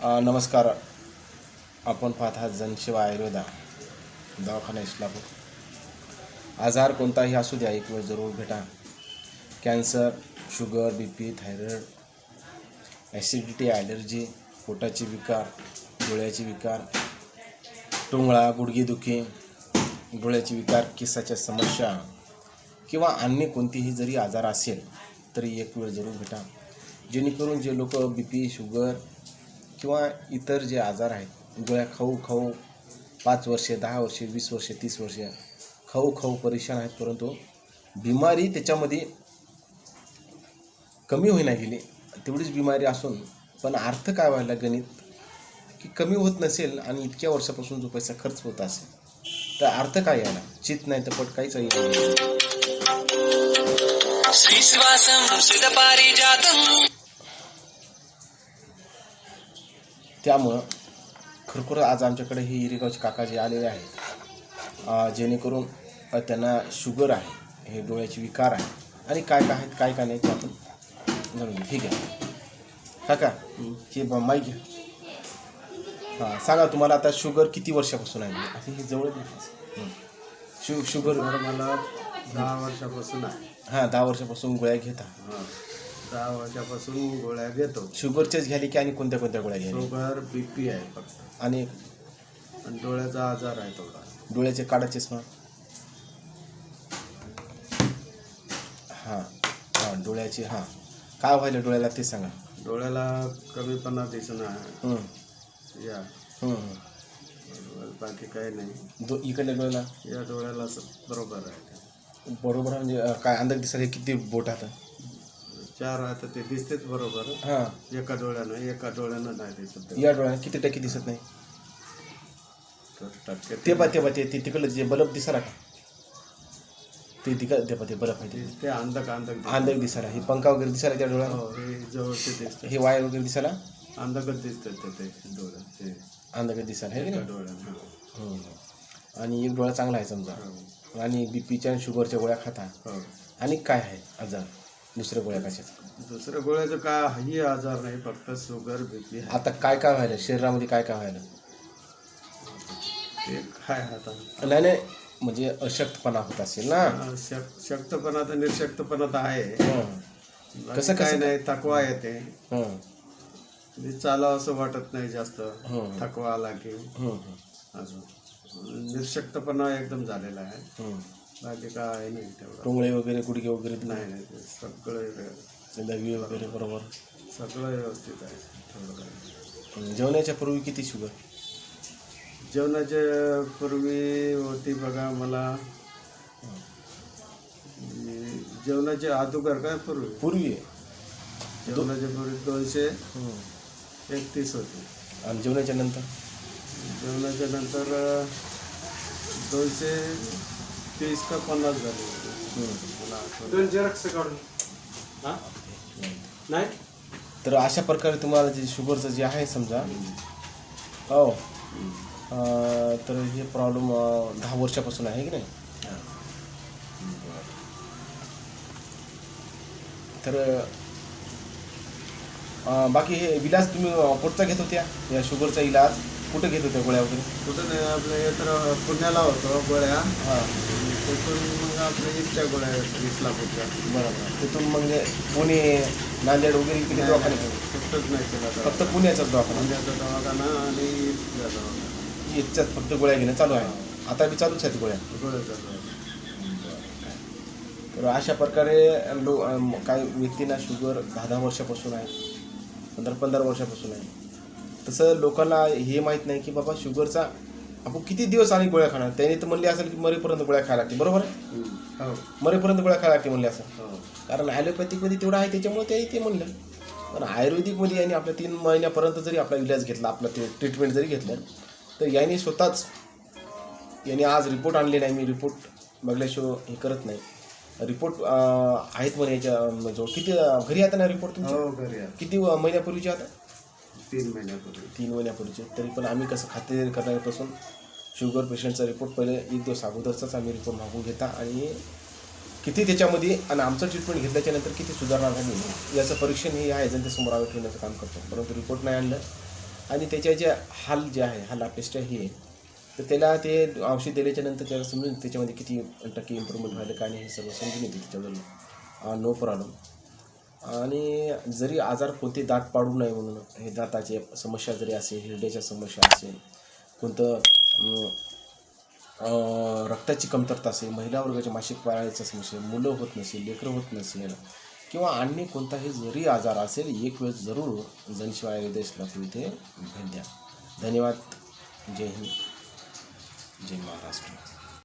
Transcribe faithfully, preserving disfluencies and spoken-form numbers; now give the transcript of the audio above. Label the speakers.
Speaker 1: अ, नमस्कार. आपण पाहत आहात जनसेवा आयुर्वेद दवाखाना इस्लापूर. आजार कोणताही असू द्या, एक वेळ जरूर भेटा. Cancer, sugar, B P, thyroid, acidity, allergy, पोटाचे विकार, डोळ्याचे विकार, टोंगळा, गुडघेदुखी, डोळ्याचे विकार, केसाच्या समस्या किंवा अन्य कोणतीही जरी आजार असेल तरी एक वेळ जरूर भेटा. जेणेकरून जे लोक बी पी, शुगर किंवा इतर जे आजार आहेत, गोळ्या खाऊ खाऊ पाच वर्षे, दहा वर्षे, वीस वर्षे, तीस वर्षे खाऊ खाऊ परेशान आहेत, परंतु बिमारी त्याच्यामध्ये कमी होईना गेली. तेवढीच बिमारी असून पण अर्थ काय व्हायला गणित की कमी होत नसेल आणि इतक्या वर्षापासून जो पैसा खर्च होत असेल तर अर्थ काय यायला चित नाही तर पट काहीच येईल. त्यामुळं खरोखर आज आमच्याकडे हे इरेगावचे काका जे आलेले आहेत, जेणेकरून त्यांना शुगर आहे, हे डोळ्याचे विकार आहे आणि काय काय आहेत काय काय नाही ते आपण जाणून घेऊ. ठीक आहे काका, हे माईक घ्या. हां, सांगा तुम्हाला आता शुगर किती वर्षापासून आहे? असं हे जवळ शु शुगर
Speaker 2: मला दहा वर्षापासून आहे.
Speaker 1: हां, दहा वर्षापासून गोळ्या घेता.
Speaker 2: हां, दहा वर्षापासून गोळ्या घेतो.
Speaker 1: शुगरच्याच घ्याली की आणि कोणत्या कोणत्या गोळ्या घ्यायला?
Speaker 2: शुगर, बी पी आहे फक्त
Speaker 1: आणि
Speaker 2: आणि डोळ्याचा आजार आहे थोडा.
Speaker 1: डोळ्याचे काळा चष्मा. हां हां डोळ्याची. हां, काय व्हायला डोळ्याला ते सांगा.
Speaker 2: डोळ्याला कमीपणा दिसणं आहे.
Speaker 1: हं,
Speaker 2: या
Speaker 1: हं.
Speaker 2: बाकी काही नाही.
Speaker 1: दो इकडल्या डोळ्याला
Speaker 2: या डोळ्याला स- बरोबर आहे.
Speaker 1: बरोबर म्हणजे अं, काय अंदाज दिसायला किती बोट आता?
Speaker 2: चार आहे तर ते दिसतेच बरोबर.
Speaker 1: हां,
Speaker 2: एका डोळ्यानं एका डोळ्यानं नाही दिसत.
Speaker 1: या डोळ्याला किती टक्के दिसत नाही?
Speaker 2: तर टक्के
Speaker 1: ते पा ते पा ते ते तिकडलं जे बल्ब दिसायला का ते तिकडं ते पा ते बल्ब आहे ते
Speaker 2: ते अंधक अंधक
Speaker 1: अंधक दिसायला. हे पंखा वगैरे दिसायला त्या डोळ्याला?
Speaker 2: हो, हे जवळचे दिसतं.
Speaker 1: हे वायर वगैरे दिसायला
Speaker 2: अंधकच दिसतं ते ते डोळ्यात ते
Speaker 1: अंधक दिसायला आहे की
Speaker 2: एका
Speaker 1: नाही?
Speaker 2: डोळ्यानं.
Speaker 1: हं. आणि एक डोळा चांगला आहे समजा,
Speaker 2: हो.
Speaker 1: आणि बी पीच्या आणि शुगरच्या गोळ्या खाता.
Speaker 2: हो.
Speaker 1: आणि काय आहे आजार दुसऱ्या गोळ्या कशाचा?
Speaker 2: दुसऱ्या गोळ्याचं काही आजार नाही, फक्त शुगर बी पी.
Speaker 1: आता काय काय व्हायला शरीरामध्ये, काय काय व्हायला?
Speaker 2: ते काय आता
Speaker 1: नाही नाही म्हणजे अशक्तपणा होत असेल ना?
Speaker 2: शक- शक्तपणा तर निर्शक्तपणा तर आहे.
Speaker 1: हं. कसं-
Speaker 2: काय
Speaker 1: कसं?
Speaker 2: नाही, थकवा येते.
Speaker 1: हं,
Speaker 2: म्हणजे चालावं असं वाटत नाही जास्त.
Speaker 1: हं.
Speaker 2: थकवा आला की
Speaker 1: हं, हं,
Speaker 2: अजून निर्शक्तपणा एकदम झालेला आहे.
Speaker 1: हं.
Speaker 2: बाकी काय नाही तेवढं.
Speaker 1: टोंगळे वगैरे, गुडघे वगैरे,
Speaker 2: नाही नाही ते सगळं
Speaker 1: दहावी वगैरे बरोबर.
Speaker 2: सगळं व्यवस्थित आहे. थोडं काय
Speaker 1: हं. जेवणाच्या पूर्वी किती शुगर?
Speaker 2: जेवणाच्या पूर्वी होती बघा मला. जेवणाच्या अगोदर काय पूर्वी
Speaker 1: पूर्वी
Speaker 2: जेवणाच्या पूर्वी दोनशे
Speaker 1: हं.
Speaker 2: एकतीस होती.
Speaker 1: आणि जेवणाच्या नंतर
Speaker 2: जेवणाच्या नंतर दोनशे तीस का पन्नास झाली होती.
Speaker 1: हं.
Speaker 2: मला आठवत
Speaker 3: दोन जेरॉक्स काढून हा नाही.
Speaker 1: तर अशा प्रकारे तुम्हाला जे शुगरचं जे आहे समजा, हो, अं, तर हे प्रॉब्लेम दहा वर्षापासून आहे की नाही? तर अं, बाकी हे इलाज तुम्ही कुठचा घेत होत्या? या शुगरचा इलाज कुठं घेत होत्या गोळ्या वगैरे?
Speaker 2: कुठं नाही, आपल्या हे तर पुण्याला होतो गोळ्या.
Speaker 1: हां,
Speaker 2: तिथून मग आपल्या इथच्या गोळ्या इस्लापूरच्या.
Speaker 1: बरोबर. तिथून म्हणजे पुणे, नांदेड वगैरे इकडे दवाखाने?
Speaker 2: कुठंच नाही केला
Speaker 1: फक्त पुण्याचाच दवाखाना?
Speaker 2: पुण्याचा दवाखाना आणि इथल्या दवाखाना.
Speaker 1: याच्यात फक्त गोळ्या घेणं चालू आहे. आता बी चालूच आहेत गोळ्या?
Speaker 2: गोळ्याचा दवाखाना.
Speaker 1: तर अशा प्रकारे लो अं, काही व्यक्तींना शुगर दहा दहा वर्षापासून आहे, पंधरा पंधरा वर्षापासून आहे. तसं लोकांना हे माहीत नाही की बाबा शुगरचा आपण किती दिवस आणि गोळ्या खाणार. त्याने तर म्हणले असेल की मरेपर्यंत गोळ्या खायला लागते, बरोबर आहे?
Speaker 2: हो
Speaker 1: मरेपर्यंत गोळ्या खायला लागते म्हणले असं.
Speaker 2: हो
Speaker 1: कारण ॲलोपॅथिकमध्ये तेवढं आहे त्याच्यामुळे ते ते म्हणलं. पण आयुर्वेदिकमध्ये याने आपल्या तीन महिन्यापर्यंत जरी आपला इलाज घेतला, आपला ते ट्रीटमेंट जरी घेतलं, तर याने स्वतःच याने आज रिपोर्ट आणले नाही. मी रिपोर्ट बघल्याशिवाय हे करत नाही. रिपोर्ट आहेत म्हणे याच्या जो किती घरी आता ना रिपोर्ट तुमचे?
Speaker 2: हो घरी आहे.
Speaker 1: किती महिन्यापूर्वीचे आता?
Speaker 2: तीन महिन्यापूर्वी.
Speaker 1: तीन महिन्यापूर्वीचे. तरी पण आम्ही कसं खातेदारी करण्यापासून शुगर पेशंटचा रिपोर्ट पहिले एक दिवस अगोदरचाच आम्ही रिपोर्ट मागून घेता आणि किती त्याच्यामध्ये आणि आमचं ट्रीटमेंट घेतल्याच्या नंतर किती सुधारणा झाली याचं परीक्षण हे आहे जनतेसमोर आम्ही ठेवण्याचं काम करतो. परंतु रिपोर्ट नाही आणलं आणि त्याचे जे हाल जे आहे हाल अपेष्ट हे आहे, तर त्याला ते औषध दिल्याच्या नंतर त्याला समजून त्याच्यामध्ये किती टक्के इम्प्रूव्हमेंट व्हायला काय नाही हे सर्व समजून येते त्याच्याबद्दल, नो प्रॉब्लेम. आणि जरी आजार कोणते दात पाडू नये म्हणून हे दाताचे समस्या जरी असेल, हिरड्याच्या समस्या असेल, कोणतं अं, रक्ताची कमतरता असेल, महिला वर्गाच्या मासिक पाळीच्या समस्या, मुलं होत नसेल, लेकरं होत नसेल किंवा अन्य कोणताही जरी आजार असेल, एक वेळ जरूर जनशिवाय आयुर्वेद इस्लामपूर इथे भेट द्या. धन्यवाद. जय हिंद, जय महाराष्ट्र.